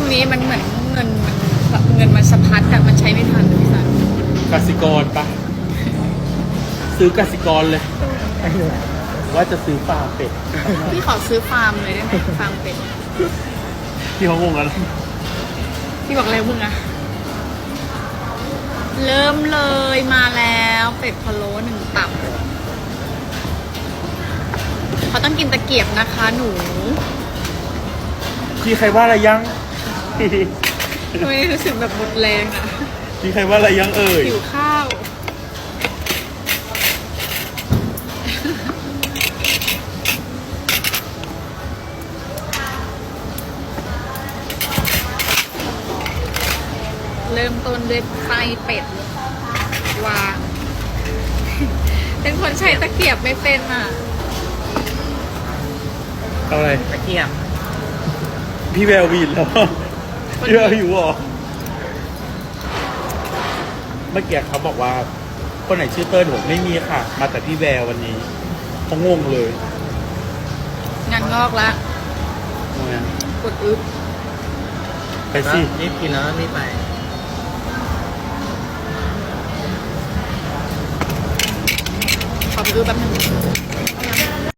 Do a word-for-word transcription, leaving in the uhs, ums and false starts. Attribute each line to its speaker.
Speaker 1: นี้มันเหมือนเงินมันเงินมันสะพัดแต่มันใช้ไม่ทันเลยพี่สัน
Speaker 2: กสิกรปะซื้อกสิกรเลย ว่าจะซื้อฟาร์มเป็ด
Speaker 1: พี่ขอซื้อฟาร์มเลยได้ไหมฟาร์มเป็ด
Speaker 2: ที่เขางงแล้วนะ
Speaker 1: พี่บอกเลยมึงอะเริ่มเลยมาแล้วเป็ดพะโล้หนึ่งตับเขาต้องกินตะเกียบนะคะหนู
Speaker 2: พี่ใครว่าอะไรยัง
Speaker 1: ทำไมรู้สึกแบบหมดแรงอะ
Speaker 2: พี่ใครว่าอะไรยังเอ่ย
Speaker 1: หิวข้าว เริ่มต้นด้วยไส้เป็ดวาง เป็นคนใช้ตะเกียบไม่เป็นอ่ะ
Speaker 2: เอาอะไร
Speaker 3: ตะเกียบ
Speaker 2: พี่แวววีนแล้ว พี่แววอยู่หรอ เมื่อกี้เขาบอกว่า คนไหนชื่อเติ้ลผมไม่มีค่ะ มาแต่พี่แวววันนี้เขางงเลย
Speaker 1: งานงอกละ
Speaker 2: ทำไมอะ
Speaker 1: กดอึ๊บ
Speaker 2: ไปสิ
Speaker 3: รีบกินแล้วรีบไป
Speaker 1: ขอไปอึ๊บแป๊บนึง